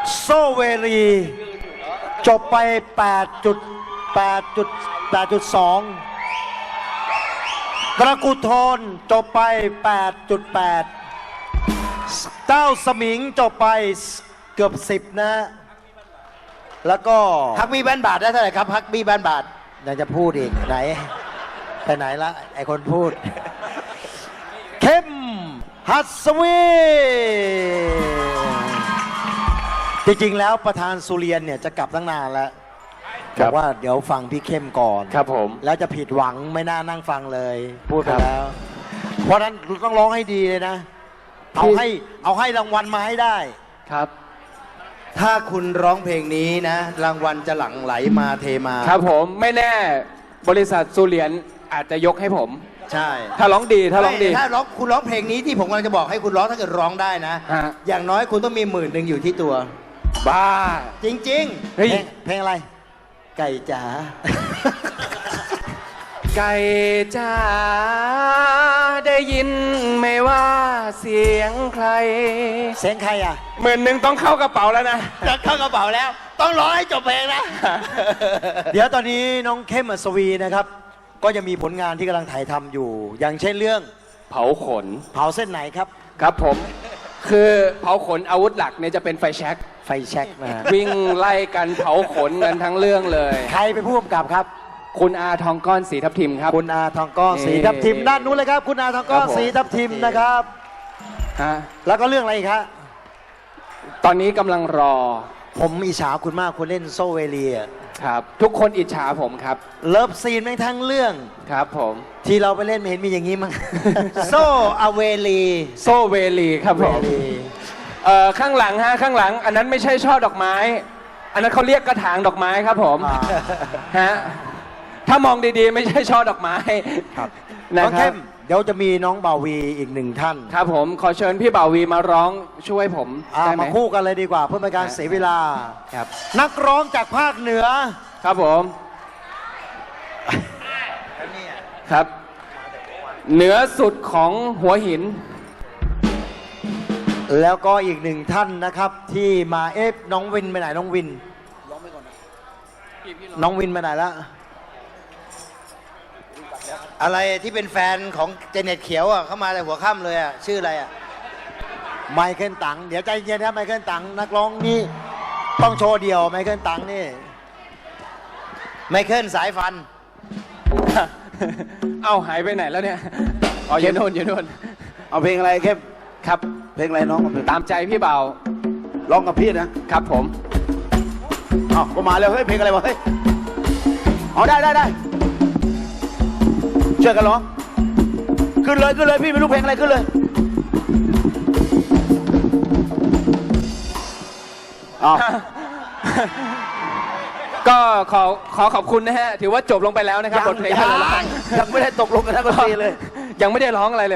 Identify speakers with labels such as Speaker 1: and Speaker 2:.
Speaker 1: โซเวรีจบไป 8.2 ตระกูลทนจบไป 8.8 เต้าสมิงจบไปเกือบ 10 นะ แล้วก็
Speaker 2: ฮักบี้บ้านบาทได้เท่าไหร่ครับฮักบี้บ้านบาท
Speaker 1: ยังจะพูดอีกไหน ไปไหนละไอคนพูด เข้มหัสวีจริงๆแล้วประธานสุเรียนเนี่ยจะกลับตั้งนานแล้วบอกว่าเดี๋ยวฟังพี่เข้มก่อน
Speaker 3: ครับผม
Speaker 1: แล้วจะผิดหวังไม่น่านั่งฟังเลย พูดไป
Speaker 3: ครับ
Speaker 1: แล้ว เพราะฉะนั้นต้องร้องให้ดีเลยนะ เอาให้รางวัลมาให้ได้
Speaker 3: ครับ
Speaker 2: ถ้าคุณร้องเพลงนี้นะ รางวัลจะหลั่งไหลมาเทมา
Speaker 3: ครับผมไม่แน่บริษัทซูเลียนอาจจะยกให้ผม
Speaker 2: ใช่
Speaker 3: ถ้าร้องดีถ้าร้องดี
Speaker 2: ถ้าร้องคุณร้องเพลงนี้ที่ผมกำลังจะบอกให้คุณร้องถ้าเกิดร้องได้นะ
Speaker 3: ฮะ
Speaker 2: อย่างน้อยคุณต้องมี10,000อยู่ที่ตัว
Speaker 3: บ้า
Speaker 2: จริง
Speaker 3: เฮ้ย
Speaker 1: เพลงอะไร
Speaker 2: ๆ ไก่จ๋า
Speaker 3: ไก่จ้าได้ยินไหม่ว่าเสียงใคร
Speaker 1: เสียงใครอ่ะ
Speaker 3: 10,000ต้องเข้ากระเป๋าแล้วนะ
Speaker 2: จะเข้ากระเป๋าแล้ว ต้องร้องให้จบเพลงนะ
Speaker 1: เดี๋ยวตอนนี้น้องเข้มอัศวีนะครับ ก็จะมีผลงานที่กำลังถ่ายทำอยู่ อย่างเช่นเรื่อง
Speaker 3: เผาขน
Speaker 1: เผาเส้นไหนครับ
Speaker 3: ครับผม คือเผาขนอาวุธหลักเนี่ยจะเป็นไฟแช็ก
Speaker 1: ไฟแช็กนะฮะ
Speaker 3: วิ่งไล่กันเผาขนกันทั้งเรื่องเลย
Speaker 1: ใครเป็นผู้กำกับครับ
Speaker 3: คุณอาทองก้อนสีทับทิมครับ
Speaker 1: คุณอาทองก้อน
Speaker 3: นี่
Speaker 1: สีทับทิมด้านนู้นเลยครับ คุณอาทองก้อน
Speaker 3: ครับผม
Speaker 1: สีทับทิมนะครับ
Speaker 3: ฮะ
Speaker 1: แล้วก็เรื่องอะไรอีกครับ
Speaker 3: ตอนนี้กำลังรอ
Speaker 1: ผมอิจฉาคุณมากคุณเล่นโซเวเลีย
Speaker 3: ครับ ทุกคนอิจฉาผมครับ
Speaker 1: เลิฟซีนแม่งทั้งเรื่อง
Speaker 3: ครับผม
Speaker 1: ที่เราไปเล่นไม่เห็นมีอย่างนี้มั้ง
Speaker 2: โซอเวลี
Speaker 3: โซเวลีครับผม
Speaker 1: เวลี
Speaker 3: ข้างหลังฮะข้างหลัง อันนั้นไม่ใช่ช่อดอกไม้ อันนั้นเขาเรียกกระถางดอกไม้ครับผม
Speaker 1: อ่า
Speaker 3: ฮะถ้ามองดีๆ ไม่ใช่ช่อดอกไม้
Speaker 1: ครับ
Speaker 3: นะ
Speaker 1: น้อง
Speaker 3: ครั
Speaker 1: เข้
Speaker 3: บ
Speaker 1: มเดี๋ยวจะมีน้องบ่าวีอีกหนึ่งท่าน
Speaker 3: ครับผมขอเชิญพี่บ่าววีมาร้องช่วยผมได้ไหม
Speaker 1: มาคู่กันเลยดีกว่าเพื่อเป็นการเสียเวลา
Speaker 3: ครับ
Speaker 1: นักร้องจากภาคเหนือ
Speaker 3: ครับผมครับ เหนือสุดของหัวหิน
Speaker 1: แล้วก็อีกหนึ่งท่านนะครับที่มาน้องวินไปไหนน้องวินน้องวินไปไหนแล้ว
Speaker 2: อะไรที่เป็นแฟนของเจเน็ตเขียวอ่ะเข้ามาแต่หัวค่ำเลยอ่ะชื่ออะไรอ่ะ
Speaker 1: ไมเคิลตังเดี๋ยวใจเย็นนะไมเคิลตังนักร้องนี่ต้องโชว์เดียวไมเคิลตังนี่
Speaker 2: ไมเคิลสายฟัน
Speaker 3: เอ้าหายไปไหนแล้วเนี่ยอ๋ออยู่โน่นอยู่โน่น
Speaker 4: เอาเพลงอะไรเข้ม
Speaker 3: ครับ
Speaker 4: เพลงอะไรน้องเอาเพลง
Speaker 3: ตามใจพี่บ่าว
Speaker 4: ร้องกับพี่นะครับ
Speaker 3: ผม
Speaker 4: อ้าวก็มาแล้วเฮ้ยเพลงอะไรวะเฮ้ยอ๋อได้ช่วยกันร้องขึ้นเลยพี่ไม่รู้เพลงอะไรขึ้นเลยอ้าว
Speaker 3: ก็ขอขอบคุณนะฮะ ถือว่าจบลงไปแล้วนะครับบทเพลง
Speaker 4: ยังไม่ได้ตกลงกันทั้งดนตรีเลย
Speaker 3: ยังไม่ได้ร้องอะไรเลย